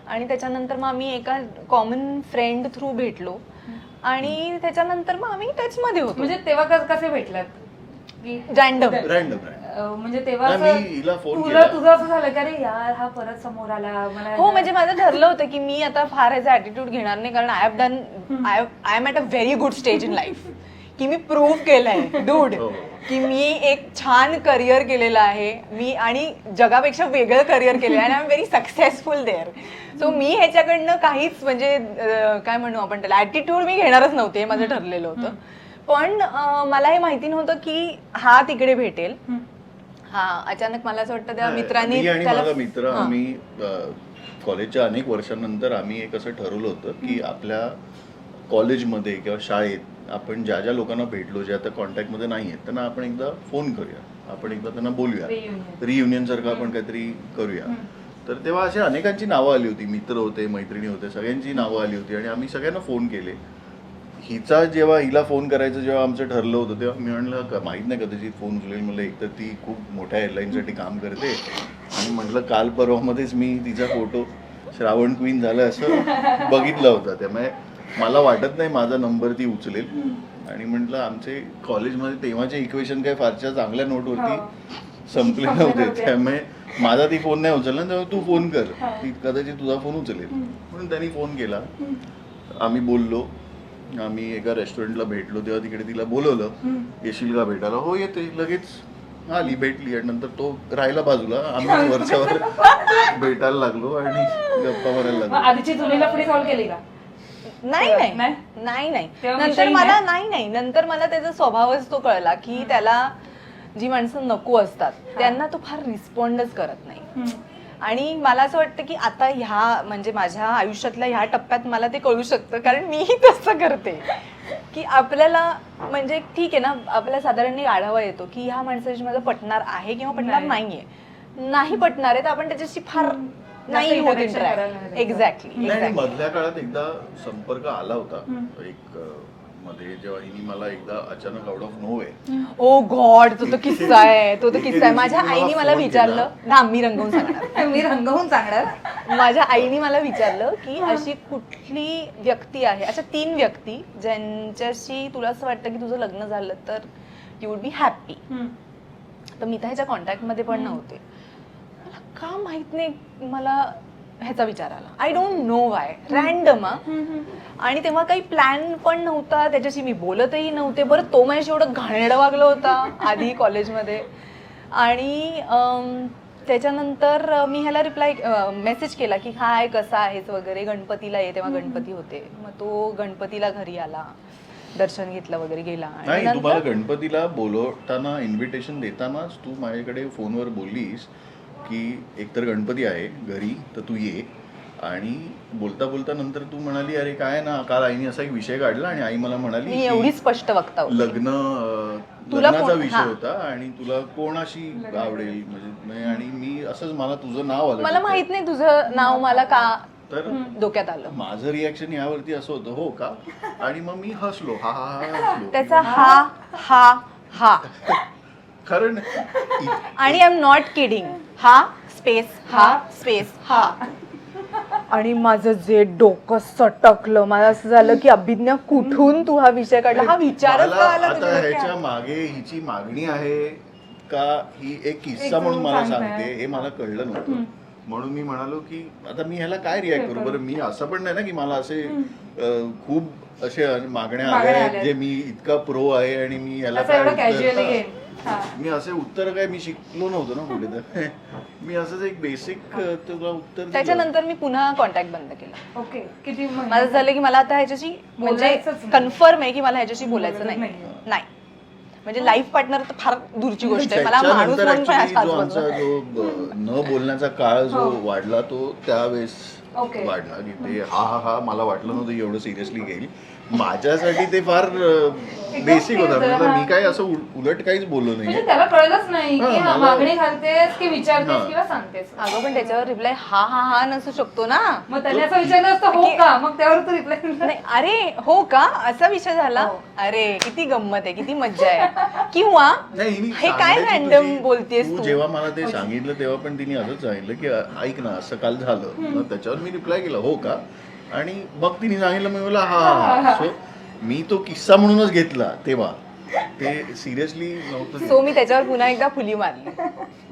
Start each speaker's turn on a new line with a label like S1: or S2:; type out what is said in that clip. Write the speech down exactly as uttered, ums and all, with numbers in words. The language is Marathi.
S1: आणि त्याच्यानंतर मग आम्ही एका कॉमन फ्रेंड थ्रू भेटलो आणि त्याच्यानंतर मग आम्ही टच मध्ये होतो.
S2: म्हणजे तेव्हा कस- कसे भेटलात की
S1: रँडम
S3: रँडम
S2: अं, म्हणजे तेव्हा
S3: नाही,
S2: असं
S3: मी हिला फोन
S2: तुला
S3: केला.
S2: तुझं असं झालं की अरे यार हा परत समोर आला मला
S1: हो म्हणजे माझं ठरलं होतं की मी आता फार ह्याचा ऍटिट्यूड घेणार नाही कारण I have done I I am at a very good stage in life की मी प्रूव्ह केलंय डूड
S3: हो.
S1: की मी एक छान करिअर केलेलं आहे मी आणि जगापेक्षा वेगळं करिअर केलेलं आहे आणि I am very successful there. So मी ह्याच्याकडनं काहीच म्हणजे अं, काय म्हणू आपण त्याला ऍटिट्यूड मी घेणारच नव्हते हे माझं ठरलेलं होतं. पण अं, मला हे माहिती नव्हतं की हा तिकडे भेटेल. हा अचानक मला असं वाटतं त्या मित्रांनी
S3: मी आणि
S1: त्याला-
S3: माझा मित्र
S1: हां.
S3: आम्ही अ, कॉलेजच्या अनेक वर्षांनंतर आम्ही एक असं ठरवलं होतं की आपल्या कॉलेजमध्ये किंवा शाळेत आपण ज्या ज्या लोकांना भेटलो जे आता कॉन्टॅक्टमध्ये नाही आहेत त्यांना आपण एकदा फोन करूया, आपण एकदा त्यांना बोलूया,
S2: Reunion.
S3: रियुनियन सारखं आपण काहीतरी करूया. तर तेव्हा अशा अनेकांची नावं आली होती, मित्र होते, मैत्रिणी होते, सगळ्यांची नावं आली होती आणि आम्ही सगळ्यांना फोन केले. हिचा जेव्हा हिला फोन करायचं जेव्हा आमचं ठरलं होतं तेव्हा मी म्हणलं का माहीत नाही कदाचित फोन उचलेल. म्हणलं एकतर ती खूप मोठ्या एअरलाईनसाठी काम करते आणि म्हटलं काल परवामध्येच मी तिचा फोटो श्रावण क्वीन झालं असं बघितलं होतं, त्यामुळे मला वाटत नाही माझा नंबर ती उचलेल. आणि म्हटलं आमचे कॉलेजमध्ये तेव्हाचे इक्वेशन काय फारशा चांगल्या नोटवरती संपले नव्हते, त्यामुळे माझा ती फोन नाही उचलला त्यामुळे तू फोन कर, ती कदाचित तुझा फोन उचलेल. म्हणून त्यांनी फोन केला, आम्ही बोललो, आम्ही एका रेस्टॉरंटला भेटलो तेव्हा तिकडे तिला बोलवलं, येशील का भेटायला? हो येते. लगेच आली, भेटली आणि नंतर तो राहिला बाजूला, आम्ही वरच्यावर भेटायला लागलो आणि गप्पा मारायला
S2: मग
S3: लागलो.
S2: आधीची जुनी लफडी सॉल्व्ह केली का?
S1: नाही
S2: नाही?
S1: नाही नाही नाही
S2: तेव्हा
S1: नंतर
S2: विषयी
S1: मला
S2: नाही?
S1: नाही नाही नंतर मला त्याचा स्वभावच तो कळला की त्याला जी माणसं नको असतात त्यांना तो फार रिस्पॉन्डच करत नाही. आणि मला असं वाटतं की आता ह्या म्हणजे माझ्या आयुष्यातल्या ह्या टप्प्यात मला ते कळू शकतं कारण मीही तसं करते की आपल्याला म्हणजे ठीक आहे ना, आपल्याला साधारण एक आढावा येतो की ह्या माणसाची माझं पटणार आहे किंवा पटणार
S2: नाही.
S1: नाहीये. नाही पटणार आहे तर आपण त्याच्याशी फार नाही होत
S2: interaction करायला
S1: इंटरॅक्ट.
S2: नाही.
S1: एक्झॅक्टली
S3: नाही आणि
S1: एक्झॅक्टली
S3: मधल्या काळात एकदा संपर्क आला होता एक अ, मध्ये जेव्हा हिने मला एकदा अचानक out of no way.
S1: Oh God तो तो किस्सा आहे तो तो
S3: एके
S1: किस्सा आहे.
S3: दिवशी
S1: माझ्या
S3: मला
S1: आईने मला
S3: फोन
S1: विचारलं ना, मी रंगवून सांगणार.
S2: मी रंगवून सांगणार.
S1: माझ्या आईने मला विचारलं की अशी कुठली व्यक्ती आहे, अशा तीन व्यक्ती ज्यांच्याशी तुला असं वाटतं की तुझं लग्न झालं तर यू वुड बी हॅप्पी. तर मी तर ह्याच्या कॉन्टॅक्टमध्ये पण नव्हते. मला का माहित नाही मला ह्याचा विचार आला. I don't know why, random. आणि तेव्हा काही प्लॅन पण नव्हता, त्याच्याशी मी बोलतही नव्हते. बरं तो माझ्याशी एवढं घाणेरडं वागलं होता आधी कॉलेजमध्ये. आणि अम, त्याच्यानंतर मी ह्याला रिप्लाय मेसेज केला की हाय कसा आहेस वगैरे, गणपतीला ये. तेव्हा गणपती होते, मग तो गणपतीला घरी आला, दर्शन घेतलं वगैरे गेला. आणि
S3: नाही,
S1: नंतर-
S3: तुम्हाला गणपतीला बोलवताना इन्व्हिटेशन देतानाच तू माझ्याकडे फोनवर बोललीस की एकतर गणपती आहे घरी तर तू ये. आणि बोलता बोलता नंतर तू म्हणाली अरे काय ना, काल आईने असा एक विषय काढला आणि आई मला म्हणाली
S1: मी
S3: की
S1: एवढी स्पष्ट वक्ता होते.
S3: लग्न अं,
S1: तुला
S3: लग्नाचा
S1: कोण-
S3: विषय
S1: हा.
S3: होता आणि तुला कोणाशी आवडेल म्हणजे. आणि मी असंच मला तुझं नाव आलं
S1: मला
S3: डोक्यात.
S1: माहित नाही तुझं नाव मला का
S3: तर
S1: डोक्यात आलं.
S3: माझं रिॲक्शन यावरती असं होतं हो का, आणि मग मी हसलो, हा हा हा हसलो.
S1: त्याचा हा हा हा
S3: कारण
S1: आणि आय एम नॉट किडिंग, हा स्पेस हा स्पेस हा. आणि माझं जे डोकं सटकलं, मला असं झालं की अभिज्ञा कुठून तू हा विषय काढला, हा विचारच
S3: मला
S1: का आला
S3: आता
S1: तुझ्या
S3: ह्याच्या
S1: डोक्यात?
S3: मागे हिची मागणी आहे का ही एक किस्सा
S2: एक
S3: म्हणून मला
S2: सांगताय.
S3: सांगते हे मला कळलं नव्हतं. म्हणून मी म्हणालो की आता मी ह्याला काय रिॲक्ट करू. बरं मी असं पण नाही ना की मला असे अं, खूप असे मागण्या आल्या
S2: मागण्या
S3: आहेत
S2: आल्या.
S3: जे मी इतका प्रो आहे आणि मी ह्याला
S2: असं एवढं
S3: उत्तर-
S2: कॅज्युअली
S3: हा.
S2: घेईन.
S3: मी असे उत्तर काय मी शिकलो नव्हतो ना कुठे तर मी असंच एक बेसिक तुला उत्तर दिलं.
S1: त्याच्यानंतर मी पुन्हा कॉन्टॅक्ट बंद केला.
S2: ओके किती महिने?
S1: माझं झालं की मला आता ह्याच्याशी म्हणजे
S2: बोलायचंच नाही.
S1: कन्फर्म आहे की मला ह्याच्याशी बोलायचं
S2: बोलायचं
S1: नाही.
S2: नाहीये.
S1: नाही म्हणजे लाईफ पार्टनर तर फार दूरची गोष्ट आहे. मला माणूस
S3: त्याच्यानंतर
S1: म्हणून पण
S3: actually
S1: आज
S3: जो
S1: आजूबाजूला.
S3: आमचा जो ब- न बोलण्याचा काळ जो
S2: हो.
S3: वाढला तो त्यावेळेस
S2: Okay.
S3: वाढला की ते हा हा हा मला वाटलं नव्हतं एवढं सिरियसली घेईल. माझ्यासाठी ते फार बेसिक होतं.
S2: होतं,
S3: म्हणजे
S2: हा.
S3: मी काय असं उल- उलट काहीच बोललो
S2: म्हणजे
S3: नाही.
S2: त्याला कळलंच नाही की
S3: हा,
S2: हा
S3: मला-
S2: मागणी घालतेस की विचारतेस
S3: हा.
S2: किंवा सांगतेस.
S1: अगं पण त्याच्यावर रिप्लाय हा हा हा नसू शकतो ना.
S2: मग त्याने असं विचारलं असतं हो
S1: की-
S2: का, मग त्यावर तू रिप्लाय
S1: नाही अरे हो का असा विषय झाला.
S2: हो.
S1: अरे किती गंमत आहे, किती मज्जा आहे. किंवा
S3: नाही, हिने
S1: हे काय
S3: सांगायची
S1: रॅन्डम
S3: तुझी-
S1: बोलतेस
S3: तू
S1: तू.
S3: जेव्हा मला ते सांगितलं तेव्हा पण तिने असंच सांगितलं की ऐक ना असं काल झालं. मग त्याच्यावर मी रिप्लाय केला हो का, आणि मग तिने सांगितलं, मी बोला हा हा हा. सो मी तो किस्सा म्हणूनच घेतला तेव्हा, ते सिरियसली नव्हतं.
S1: सो मी त्याच्यावर पुन्हा एकदा फुली मारली.